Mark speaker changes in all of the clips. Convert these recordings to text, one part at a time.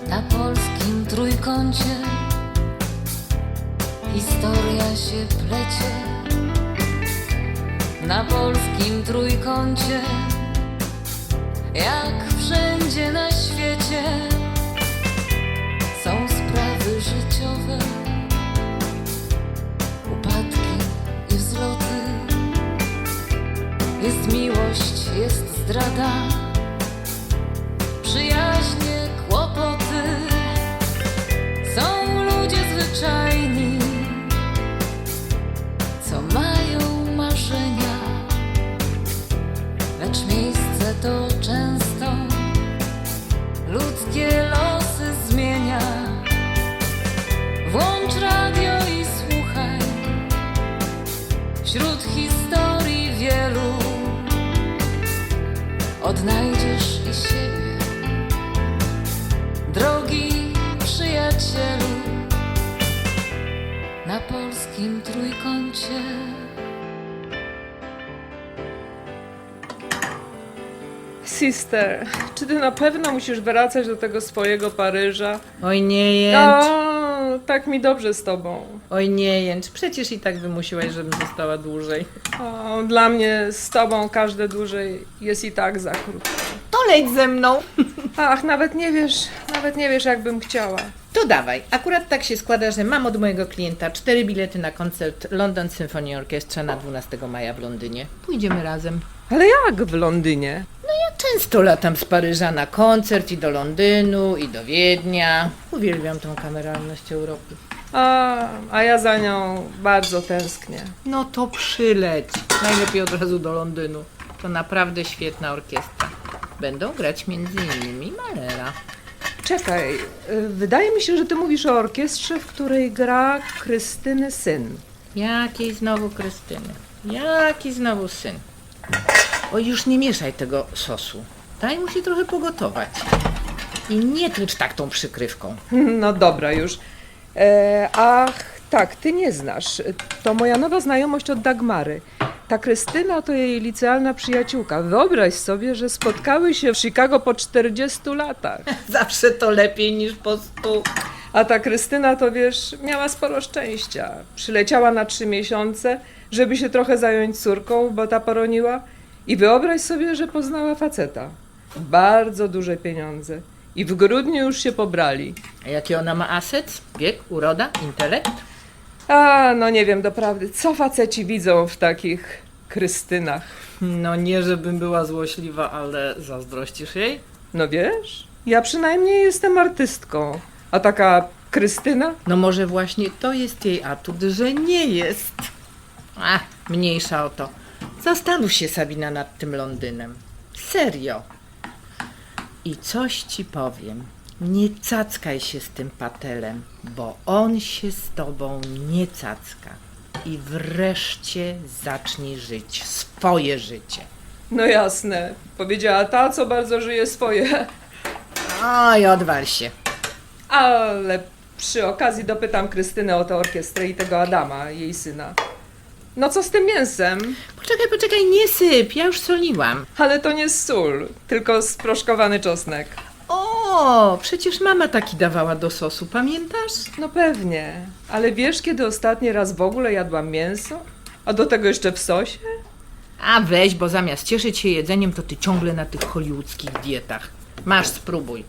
Speaker 1: Na polskim trójkącie historia się plecie. Na polskim trójkącie, jak wszędzie na świecie, są sprawy życiowe, upadki i wzloty. Jest miłość, jest zdrada, przyjaźnie, kłopoty. Są ludzie zwyczajni, co mają marzenia, lecz miejsce to często ludzkie losy zmienia. Włącz radio i słuchaj, wśród historii wielu odnajdziesz i siebie, drogi przyjacielu. Na polskim trójkącie.
Speaker 2: Sister, czy ty na pewno musisz wracać do tego swojego Paryża?
Speaker 3: Oj nie jęcz,
Speaker 2: O, tak mi dobrze z tobą.
Speaker 3: oj nie jęcz, przecież i tak wymusiłaś, żebym została dłużej.
Speaker 2: O, dla mnie z tobą każde dłużej jest i tak za krótko.
Speaker 3: To leć ze mną.
Speaker 2: Ach, nawet nie wiesz jak bym chciała.
Speaker 3: To dawaj, akurat tak się składa, że mam od mojego klienta 4 bilety na koncert London Symphony Orchestra na 12 maja w Londynie. Pójdziemy razem.
Speaker 2: Ale jak w Londynie?
Speaker 3: Często latam z Paryża na koncert i do Londynu, i do Wiednia. Uwielbiam tą kameralność Europy.
Speaker 2: A ja za nią bardzo tęsknię.
Speaker 3: No to przyleć. Najlepiej od razu do Londynu. To naprawdę świetna orkiestra. Będą grać m.in. Mahlera.
Speaker 2: Czekaj, wydaje mi się, że ty mówisz o orkiestrze, w której gra Krystyny syn.
Speaker 3: Jakiej znowu Krystyny? Jaki znowu syn? Oj, już nie mieszaj tego sosu. Daj mu się trochę pogotować. I nie tłucz tak tą przykrywką.
Speaker 2: No dobra już. Ach, tak, ty nie znasz. To moja nowa znajomość od Dagmary. Ta Krystyna to jej licealna przyjaciółka. Wyobraź sobie, że spotkały się w Chicago po 40 latach.
Speaker 3: Zawsze to lepiej niż po 100.
Speaker 2: A ta Krystyna to wiesz, miała sporo szczęścia. Przyleciała na 3 miesiące, żeby się trochę zająć córką, bo ta poroniła. I wyobraź sobie, że poznała faceta. Bardzo duże pieniądze. I w grudniu już się pobrali.
Speaker 3: A jaki ona ma aset? Wiek, uroda, intelekt?
Speaker 2: A, no nie wiem doprawdy, co faceci widzą w takich Krystynach.
Speaker 3: No nie, żebym była złośliwa, ale zazdrościsz jej?
Speaker 2: No wiesz, ja przynajmniej jestem artystką, a taka Krystyna?
Speaker 3: No może właśnie to jest jej atut, że nie jest. A, mniejsza o to. Zastanów się, Sabina, nad tym Londynem. Serio. I coś ci powiem. Nie cackaj się z tym Patelem, bo on się z tobą nie cacka. I wreszcie zacznij żyć swoje życie.
Speaker 2: No jasne, powiedziała ta, co bardzo żyje swoje.
Speaker 3: Oj, odwal się.
Speaker 2: Ale przy okazji dopytam Krystynę o tę orkiestrę i tego Adama, jej syna. No co z tym mięsem?
Speaker 3: Poczekaj, nie syp, ja już soliłam.
Speaker 2: Ale to nie sól, tylko sproszkowany czosnek.
Speaker 3: O, przecież mama taki dawała do sosu, pamiętasz?
Speaker 2: No pewnie, ale wiesz, kiedy ostatni raz w ogóle jadłam mięso? A do tego jeszcze w sosie?
Speaker 3: A weź, bo zamiast cieszyć się jedzeniem, to ty ciągle na tych hollywoodzkich dietach. Masz, spróbuj.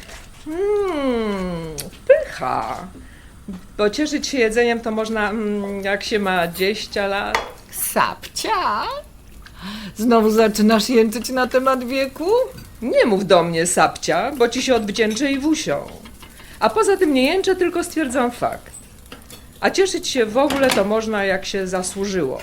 Speaker 2: Pycha. Bo cieszyć się jedzeniem to można, jak się ma 20 lat.
Speaker 3: Sapcia? Znowu zaczynasz jęczyć na temat wieku?
Speaker 2: Nie mów do mnie, sapcia, bo ci się odwdzięczę i wusią. A poza tym nie jęczę, tylko stwierdzam fakt. A cieszyć się w ogóle to można, jak się zasłużyło.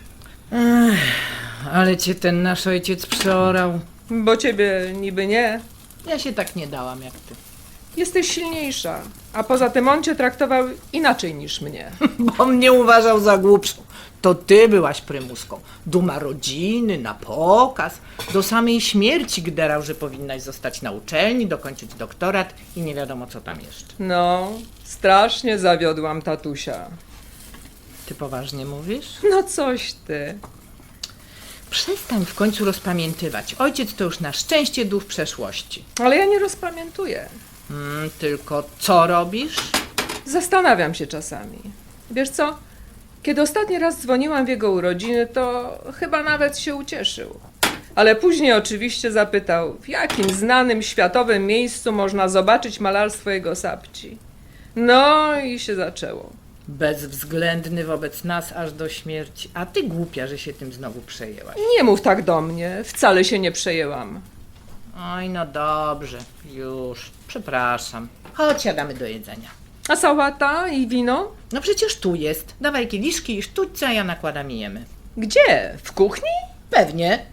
Speaker 3: Ale cię ten nasz ojciec przeorał.
Speaker 2: Bo ciebie niby nie.
Speaker 3: Ja się tak nie dałam jak ty.
Speaker 2: Jesteś silniejsza. A poza tym on cię traktował inaczej niż mnie.
Speaker 3: Bo mnie uważał za głupszą. To ty byłaś prymuską. Duma rodziny, na pokaz. Do samej śmierci gderał, że powinnaś zostać na uczelni, dokończyć doktorat i nie wiadomo co tam jeszcze.
Speaker 2: No, strasznie zawiodłam tatusia.
Speaker 3: Ty poważnie mówisz?
Speaker 2: No coś ty.
Speaker 3: Przestań w końcu rozpamiętywać. Ojciec to już na szczęście duch przeszłości.
Speaker 2: Ale ja nie rozpamiętuję.
Speaker 3: Tylko co robisz?
Speaker 2: Zastanawiam się czasami. Wiesz co? Kiedy ostatni raz dzwoniłam w jego urodziny, to chyba nawet się ucieszył. Ale później oczywiście zapytał, w jakim znanym światowym miejscu można zobaczyć malarstwo jego sapci. No i się zaczęło.
Speaker 3: Bezwzględny wobec nas aż do śmierci. A ty głupia, że się tym znowu przejęłaś.
Speaker 2: Nie mów tak do mnie, wcale się nie przejęłam.
Speaker 3: Oj, no dobrze, już. Przepraszam. Chodź, siadamy do jedzenia.
Speaker 2: A sałata i wino?
Speaker 3: No przecież tu jest. Dawaj kieliszki i sztućce, a ja nakładam i jemy.
Speaker 2: Gdzie? W kuchni?
Speaker 3: Pewnie.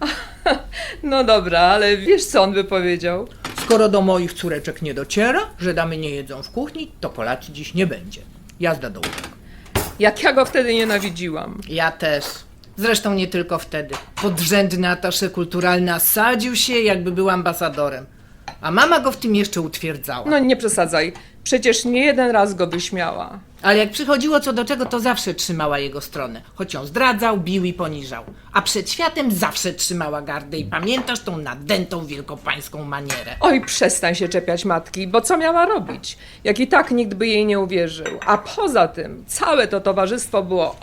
Speaker 2: No dobra, ale wiesz co on by powiedział?
Speaker 3: Skoro do moich córeczek nie dociera, że damy nie jedzą w kuchni, to kolacji dziś nie będzie. Jazda do łóżek.
Speaker 2: Jak ja go wtedy nienawidziłam.
Speaker 3: Ja też. Zresztą nie tylko wtedy. Podrzędny atasze kulturalny sadził się, jakby był ambasadorem. A mama go w tym jeszcze utwierdzała.
Speaker 2: No nie przesadzaj, przecież nie jeden raz go wyśmiała.
Speaker 3: Ale jak przychodziło co do czego, to zawsze trzymała jego stronę. Choć ją zdradzał, bił i poniżał. A przed światem zawsze trzymała gardę i pamiętasz tą nadętą wielkopańską manierę.
Speaker 2: Oj, przestań się czepiać matki, bo co miała robić? Jak i tak nikt by jej nie uwierzył. A poza tym, całe to towarzystwo było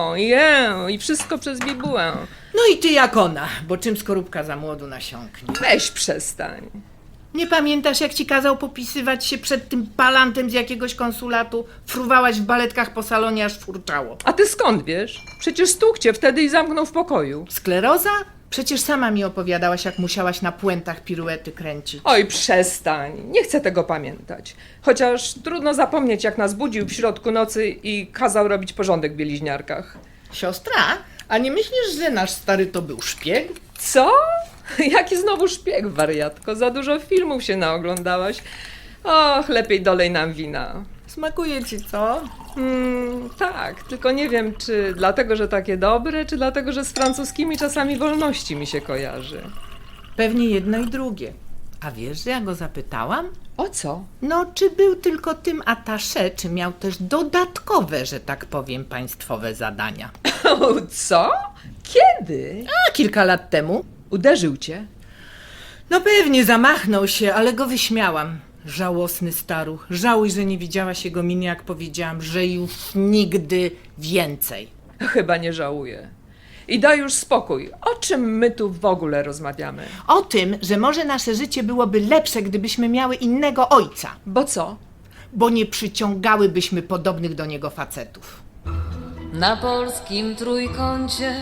Speaker 2: i wszystko przez bibułę.
Speaker 3: No i ty jak ona, bo czym skorupka za młodu nasiąknie.
Speaker 2: Weź przestań.
Speaker 3: Nie pamiętasz, jak ci kazał popisywać się przed tym palantem z jakiegoś konsulatu? Fruwałaś w baletkach po salonie, aż furczało.
Speaker 2: A ty skąd wiesz? Przecież stukł cię wtedy i zamknął w pokoju.
Speaker 3: Skleroza? Przecież sama mi opowiadałaś, jak musiałaś na puentach piruety kręcić.
Speaker 2: Oj, przestań. Nie chcę tego pamiętać. Chociaż trudno zapomnieć, jak nas budził w środku nocy i kazał robić porządek w bieliźniarkach.
Speaker 3: Siostra, a nie myślisz, że nasz stary to był szpieg?
Speaker 2: Co? Jaki znowu szpieg, wariatko? Za dużo filmów się naoglądałaś. Och, lepiej dolej nam wina.
Speaker 3: Smakuje ci, co?
Speaker 2: Tak, tylko nie wiem, czy dlatego, że takie dobre, czy dlatego, że z francuskimi czasami wolności mi się kojarzy.
Speaker 3: Pewnie jedno i drugie. A wiesz, że ja go zapytałam?
Speaker 2: O co?
Speaker 3: No, czy był tylko tym attaché, czy miał też dodatkowe, że tak powiem, państwowe zadania?
Speaker 2: O, co? Kiedy?
Speaker 3: A kilka lat temu?
Speaker 2: Uderzył cię?
Speaker 3: No pewnie zamachnął się, ale go wyśmiałam. Żałosny staruch. Żałuj, że nie widziałaś jego miny, jak powiedziałam, że już nigdy więcej.
Speaker 2: Chyba nie żałuję. I daj już spokój. O czym my tu w ogóle rozmawiamy?
Speaker 3: O tym, że może nasze życie byłoby lepsze, gdybyśmy miały innego ojca,
Speaker 2: Bo co?
Speaker 3: bo nie przyciągałybyśmy podobnych do niego facetów.
Speaker 1: Na polskim trójkącie,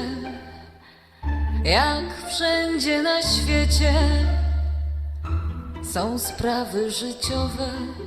Speaker 1: jak wszędzie na świecie, są sprawy życiowe,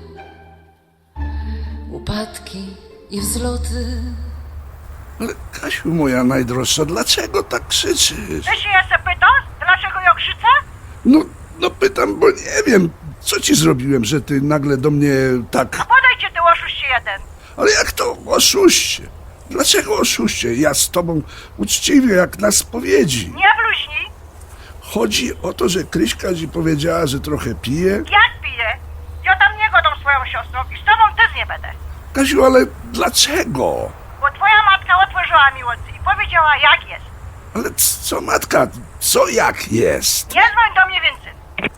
Speaker 1: upadki i wzloty.
Speaker 4: Ale Kasiu moja najdroższa, dlaczego tak krzyczysz?
Speaker 5: Ty się jeszcze pytasz, dlaczego ja krzyczę?
Speaker 4: No pytam, bo nie wiem, co ci zrobiłem, że ty nagle do mnie tak...
Speaker 5: Podejdźcie ty oszuście jeden.
Speaker 4: Ale jak to oszuście? Dlaczego oszuście? Ja z tobą uczciwie, jak na spowiedzi.
Speaker 5: Nie bluźnij.
Speaker 4: Chodzi o to, że Kryśka ci powiedziała, że trochę pije?
Speaker 5: Jak piję? Ja tam nie godam swoją siostrą i z tobą też nie będę.
Speaker 4: Kasiu, ale dlaczego?
Speaker 5: Bo twoja matka otworzyła mi oczy i powiedziała jak jest.
Speaker 4: Ale co matka, co jak jest?
Speaker 5: Nie dzwoń do mnie więcej.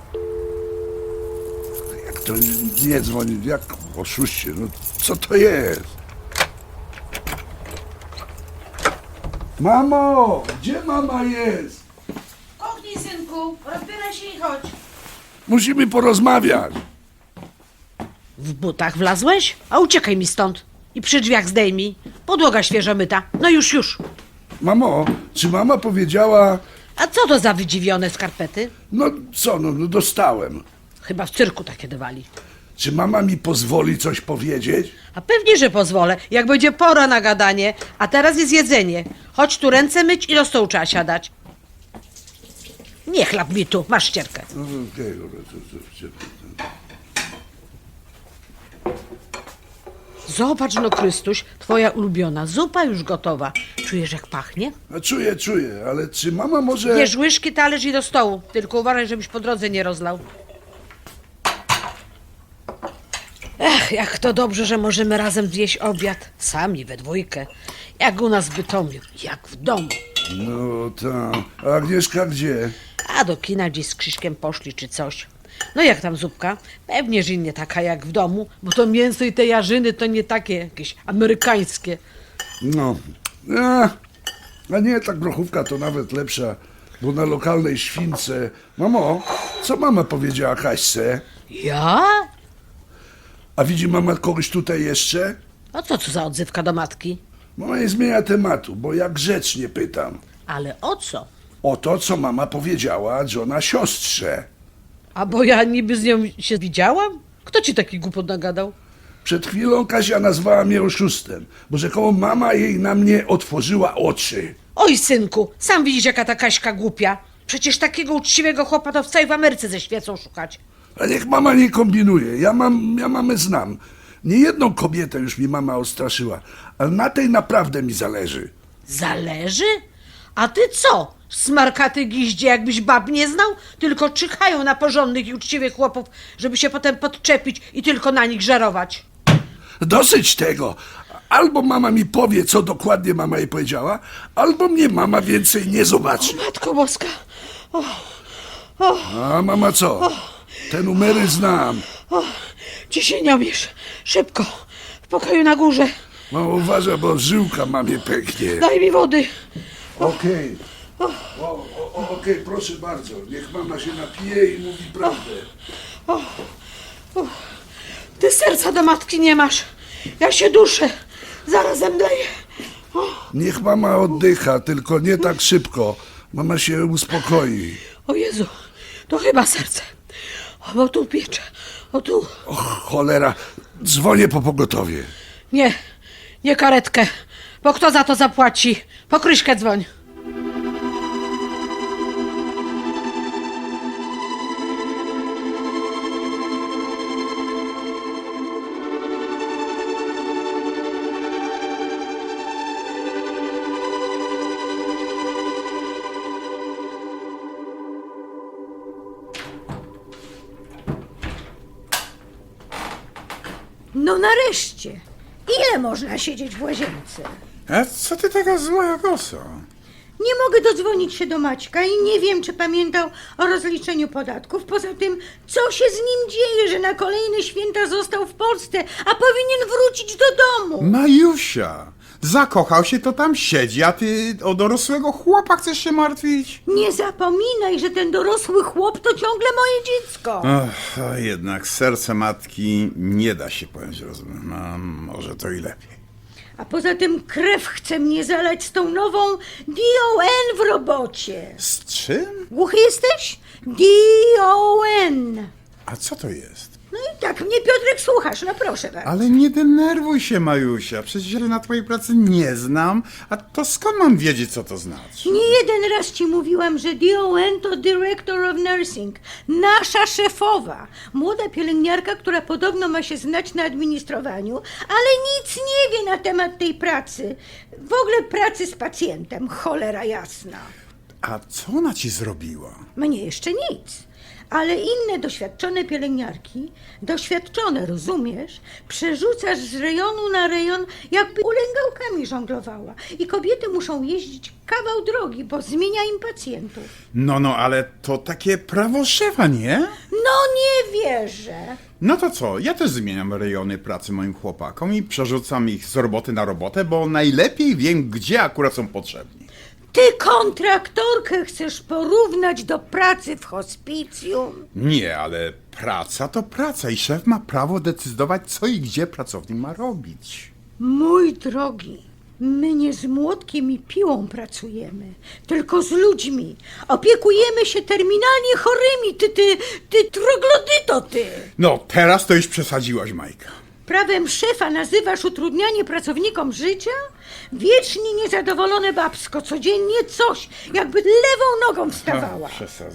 Speaker 4: Jak to nie dzwoni, jak oszuście, no co to jest? Mamo, gdzie mama jest?
Speaker 6: Kuchni, synku, rozbieraj się i chodź.
Speaker 4: Musimy porozmawiać.
Speaker 6: W butach wlazłeś? A uciekaj mi stąd. I przy drzwiach zdejmij. Podłoga świeżo myta. No już.
Speaker 4: Mamo, czy mama powiedziała,
Speaker 6: A co to za wydziwione skarpety?
Speaker 4: no co, no dostałem.
Speaker 6: Chyba w cyrku takie dawali.
Speaker 4: Czy mama mi pozwoli coś powiedzieć?
Speaker 6: A pewnie, że pozwolę, jak będzie pora na gadanie. A teraz jest jedzenie. Chodź tu ręce myć i do stołu trzeba siadać. Nie chlap mi tu, masz ścierkę.
Speaker 4: No, okej, dobra,
Speaker 6: Zobacz no, Krystuś, twoja ulubiona zupa już gotowa. Czujesz jak pachnie?
Speaker 4: No, czuję, ale czy mama może...
Speaker 6: Bierz łyżki, talerz i do stołu. Tylko uważaj, żebyś po drodze nie rozlał. Ech, jak to dobrze, że możemy razem zjeść obiad. Sami, we dwójkę. Jak u nas w Bytomiu, jak w domu.
Speaker 4: No tak, a Agnieszka gdzie?
Speaker 6: A do kina gdzieś z Krzyśkiem poszli czy coś. No jak tam zupka? Pewnie, że nie taka jak w domu, bo to mięso i te jarzyny to nie takie jakieś amerykańskie.
Speaker 4: No, a nie, ta grochówka to nawet lepsza, bo na lokalnej śwince... Mamo, co mama powiedziała Kaśce?
Speaker 6: Ja?
Speaker 4: A widzi mama kogoś tutaj jeszcze?
Speaker 6: A co za odzywka do matki?
Speaker 4: Mama nie zmienia tematu, bo ja grzecznie pytam.
Speaker 6: Ale o co?
Speaker 4: O to, co mama powiedziała Johna siostrze.
Speaker 6: A bo ja niby z nią się widziałam? Kto ci taki głupot nagadał?
Speaker 4: Przed chwilą Kasia nazwała mnie oszustem, bo rzekomo mama jej na mnie otworzyła oczy.
Speaker 6: Oj, synku, sam widzisz, jaka ta Kaśka głupia. Przecież takiego uczciwego chłopa to w całej Ameryce ze świecą szukać.
Speaker 4: A niech mama nie kombinuje, ja mamę znam. Niejedną kobietę już mi mama odstraszyła, ale na tej naprawdę mi zależy.
Speaker 6: Zależy? A ty co? Smarkaty giździe, jakbyś bab nie znał? Tylko czyhają na porządnych i uczciwych chłopów, żeby się potem podczepić i tylko na nich żerować.
Speaker 4: Dosyć tego. Albo mama mi powie, co dokładnie mama jej powiedziała, albo mnie mama więcej nie zobaczy.
Speaker 6: Matko Boska.
Speaker 4: A mama co? Te numery znam.
Speaker 6: Ciśnieniomierz. Szybko. W pokoju na górze.
Speaker 4: Mama uważa, bo żyłka mamie pęknie.
Speaker 6: Daj mi wody.
Speaker 4: Okej. Okej, proszę bardzo. Niech mama się napije i mówi prawdę.
Speaker 6: Ty serca do matki nie masz. Ja się duszę. Zaraz zemdleję.
Speaker 4: Niech mama oddycha, tylko nie tak szybko. Mama się uspokoi.
Speaker 6: O Jezu, to chyba serce. O, bo tu piecze. O tu.
Speaker 4: Och, cholera. Dzwonię po pogotowie.
Speaker 6: Nie karetkę. Bo kto za to zapłaci? Po Kryśkę dzwoń.
Speaker 7: No nareszcie! Ile można siedzieć w łazience?
Speaker 8: A co ty taka zła kosa?
Speaker 7: Nie mogę dodzwonić się do Maćka i nie wiem, czy pamiętał o rozliczeniu podatków. Poza tym, co się z nim dzieje, że na kolejne święta został w Polsce, a powinien wrócić do domu?
Speaker 8: Majusia, zakochał się, to tam siedzi, a ty o dorosłego chłopa chcesz się martwić?
Speaker 7: Nie zapominaj, że ten dorosły chłop to ciągle moje dziecko.
Speaker 8: Ach, a jednak serce matki nie da się pojąć rozumem. A może to i lepiej.
Speaker 7: A poza tym krew chce mnie zalać z tą nową DON w robocie.
Speaker 8: Z czym?
Speaker 7: Głuchy jesteś? DON.
Speaker 8: A co to jest?
Speaker 7: No i tak mnie, Piotrek, słuchasz, no proszę bardzo.
Speaker 8: Ale nie denerwuj się, Majusia. Przecież ja na twojej pracy nie znam. A to skąd mam wiedzieć, co to znaczy?
Speaker 7: Nie jeden raz ci mówiłam, że DON to Director of Nursing, nasza szefowa. Młoda pielęgniarka, która podobno ma się znać na administrowaniu, ale nic nie wie na temat tej pracy. W ogóle pracy z pacjentem, cholera jasna.
Speaker 8: A co ona ci zrobiła?
Speaker 7: Mnie jeszcze nic. Ale inne doświadczone pielęgniarki, doświadczone, rozumiesz, przerzucasz z rejonu na rejon, jakby ulęgałkami żonglowała. I kobiety muszą jeździć kawał drogi, bo zmienia im pacjentów.
Speaker 8: No, ale to takie prawo szefa, nie?
Speaker 7: No nie wierzę.
Speaker 8: No to co, ja też zmieniam rejony pracy moim chłopakom i przerzucam ich z roboty na robotę, bo najlepiej wiem, gdzie akurat są potrzebni.
Speaker 7: Ty kontraktorkę chcesz porównać do pracy w hospicjum?
Speaker 8: Nie, ale praca to praca i szef ma prawo decydować, co i gdzie pracownik ma robić.
Speaker 7: Mój drogi, my nie z młotkiem i piłą pracujemy, tylko z ludźmi. Opiekujemy się terminalnie chorymi, ty troglodyto, ty.
Speaker 8: No, teraz to już przesadziłaś, Majka.
Speaker 7: Prawem szefa nazywasz utrudnianie pracownikom życia? Wiecznie niezadowolone babsko, codziennie coś, jakby lewą nogą wstawała.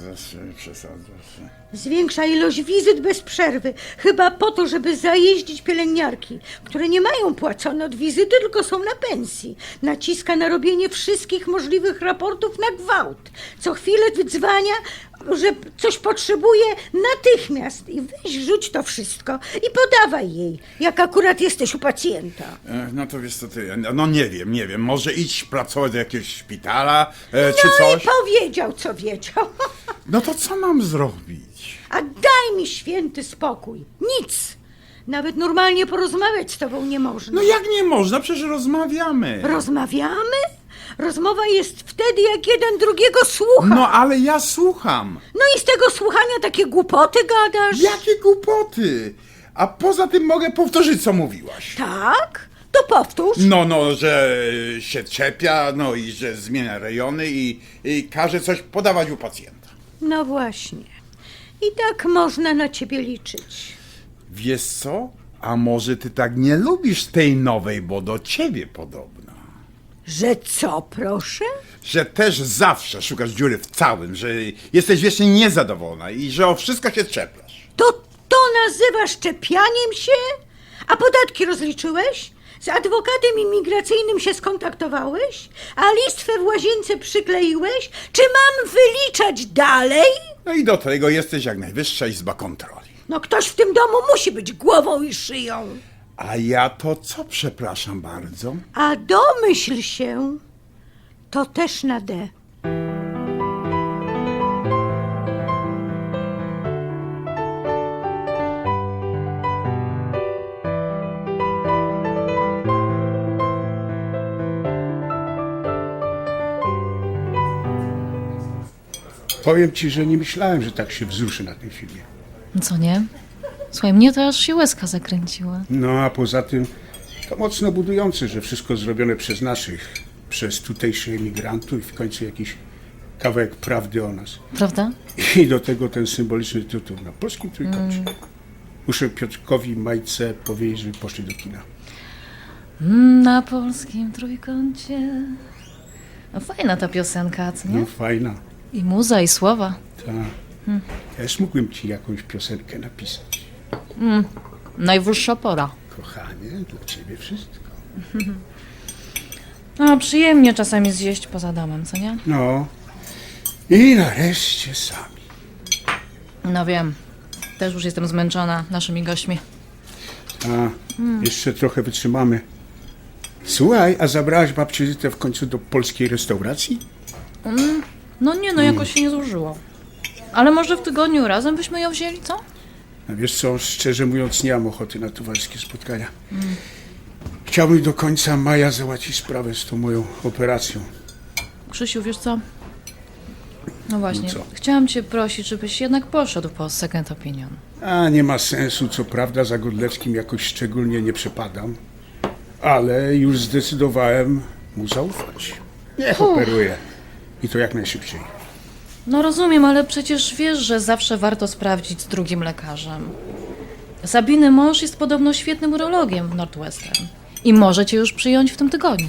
Speaker 8: Przesadzasz.
Speaker 7: Zwiększa ilość wizyt bez przerwy, chyba po to, żeby zajeździć pielęgniarki, które nie mają płacone od wizyty, tylko są na pensji. Naciska na robienie wszystkich możliwych raportów na gwałt. Co chwilę wydzwania, że coś potrzebuje natychmiast. I weź, rzuć to wszystko i podawaj jej, jak akurat jesteś u pacjenta.
Speaker 8: No to wiesz co ty, no nie wiem, może idź pracować do jakiegoś szpitala, czy
Speaker 7: No
Speaker 8: coś.
Speaker 7: i powiedział, co wiedział.
Speaker 8: No to co mam zrobić?
Speaker 7: A daj mi święty spokój. Nic. Nawet normalnie porozmawiać z tobą nie można.
Speaker 8: No jak nie można? Przecież rozmawiamy.
Speaker 7: Rozmawiamy? Rozmowa jest wtedy, jak jeden drugiego słucha.
Speaker 8: No ale ja słucham.
Speaker 7: No i z tego słuchania takie głupoty gadasz?
Speaker 8: Jakie głupoty? A poza tym mogę powtórzyć, co mówiłaś.
Speaker 7: Tak? To powtórz.
Speaker 8: No, że się czepia, no i że zmienia rejony i każe coś podawać u pacjenta.
Speaker 7: No właśnie. I tak można na ciebie liczyć.
Speaker 8: Wiesz co? A może ty tak nie lubisz tej nowej, bo do ciebie podobna.
Speaker 7: Że co, proszę?
Speaker 8: Że też zawsze szukasz dziury w całym, że jesteś wiecznie niezadowolona i że o wszystko się czepiasz.
Speaker 7: To nazywasz czepianiem się? A podatki rozliczyłeś? Z adwokatem imigracyjnym się skontaktowałeś? A listwę w łazience przykleiłeś? Czy mam wyliczać dalej?
Speaker 8: No i do tego jesteś jak Najwyższa Izba Kontroli.
Speaker 7: No ktoś w tym domu musi być głową i szyją.
Speaker 8: A ja to co, przepraszam bardzo?
Speaker 7: A domyśl się, to też na D.
Speaker 9: Powiem ci, że nie myślałem, że tak się wzruszy na tym filmie.
Speaker 1: Co nie? Słuchaj, mnie to aż się łezka zakręciła.
Speaker 9: No a poza tym to mocno budujące, że wszystko zrobione przez naszych, przez tutejszych emigrantów i w końcu jakiś kawałek prawdy o nas.
Speaker 1: Prawda?
Speaker 9: I do tego ten symboliczny tytuł na polskim trójkącie. Muszę Piotrkowi i Majce powiedzieć, żeby poszli do kina.
Speaker 1: Na polskim trójkącie. No fajna ta piosenka, co nie?
Speaker 9: No fajna.
Speaker 1: I muza, i słowa.
Speaker 9: Tak. Ja też mógłbym ci jakąś piosenkę napisać.
Speaker 1: Najwyższa pora.
Speaker 9: Kochanie, dla ciebie wszystko.
Speaker 1: No, przyjemnie czasami zjeść poza domem, co nie?
Speaker 9: No. I nareszcie sami.
Speaker 1: No wiem. Też już jestem zmęczona naszymi gośćmi.
Speaker 9: A, jeszcze trochę wytrzymamy. Słuchaj, a zabrałaś babcię Zytę w końcu do polskiej restauracji?
Speaker 1: No nie, no jakoś się nie złożyło. Ale może w tygodniu razem byśmy ją wzięli, co?
Speaker 9: A wiesz co, szczerze mówiąc, nie mam ochoty na towarzyskie spotkania. Chciałbym do końca maja załatwić sprawę z tą moją operacją.
Speaker 1: Krzysiu, wiesz co? No właśnie,
Speaker 9: No co?
Speaker 1: chciałam cię prosić, żebyś jednak poszedł po second opinion.
Speaker 9: A nie ma sensu, co prawda za Godlewskim jakoś szczególnie nie przepadam, ale już zdecydowałem mu zaufać. Niech operuje. I to jak najszybciej.
Speaker 1: No rozumiem, ale przecież wiesz, że zawsze warto sprawdzić z drugim lekarzem. Sabiny mąż jest podobno świetnym urologiem w Northwestern i może cię już przyjąć w tym tygodniu.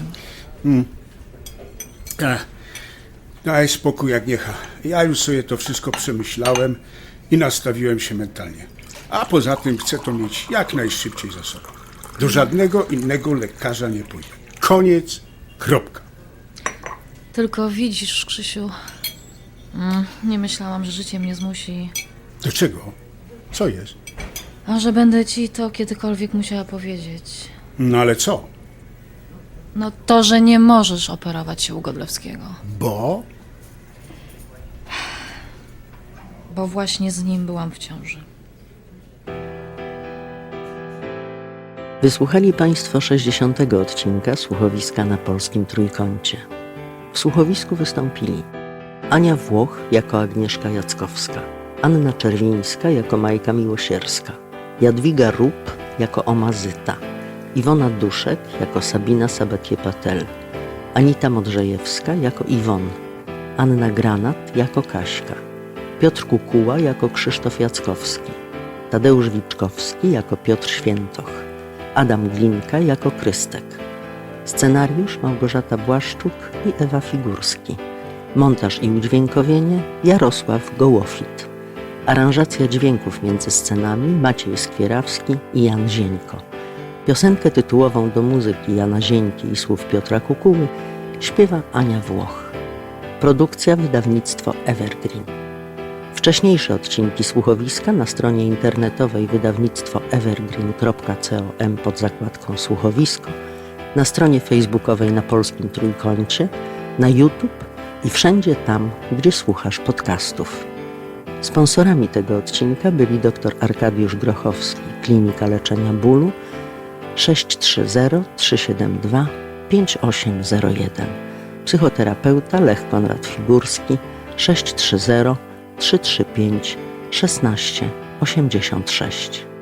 Speaker 9: Daj spokój, Agniecha. Ja już sobie to wszystko przemyślałem i nastawiłem się mentalnie. A poza tym chcę to mieć jak najszybciej za sobą. Do żadnego innego lekarza nie pójdę. Koniec, kropka.
Speaker 1: Tylko widzisz, Krzysiu, nie myślałam, że życie mnie zmusi,
Speaker 9: Do czego? Co jest?
Speaker 1: a że będę ci to kiedykolwiek musiała powiedzieć.
Speaker 9: No ale co?
Speaker 1: No to, że nie możesz operować się u Godlewskiego,
Speaker 9: Bo?
Speaker 1: bo właśnie z nim byłam w ciąży.
Speaker 10: Wysłuchali Państwo 60. odcinka Słuchowiska na polskim trójkącie. W słuchowisku wystąpili Ania Włoch jako Agnieszka Jackowska, Anna Czerwińska jako Majka Miłosierska, Jadwiga Rup jako Oma Zyta, Iwona Duszek jako Sabina Sabatie-Patel, Anita Modrzejewska jako Iwon, Anna Granat jako Kaśka, Piotr Kukuła jako Krzysztof Jackowski, Tadeusz Wiczkowski jako Piotr Świętoch, Adam Glinka jako Krystek. Scenariusz Małgorzata Błaszczuk i Ewa Figurski. Montaż i udźwiękowienie Jarosław Gołofit. Aranżacja dźwięków między scenami Maciej Skwierawski i Jan Zieńko. Piosenkę tytułową do muzyki Jana Zieńki i słów Piotra Kukuły śpiewa Ania Włoch. Produkcja wydawnictwo Evergreen. Wcześniejsze odcinki słuchowiska na stronie internetowej wydawnictwo evergreen.com pod zakładką słuchowisko, na stronie facebookowej na polskim trójkącie, na YouTube i wszędzie tam, gdzie słuchasz podcastów. Sponsorami tego odcinka byli dr Arkadiusz Grochowski, Klinika Leczenia Bólu, 630 372 5801. Psychoterapeuta Lech Konrad Figurski, 630 335 16 86.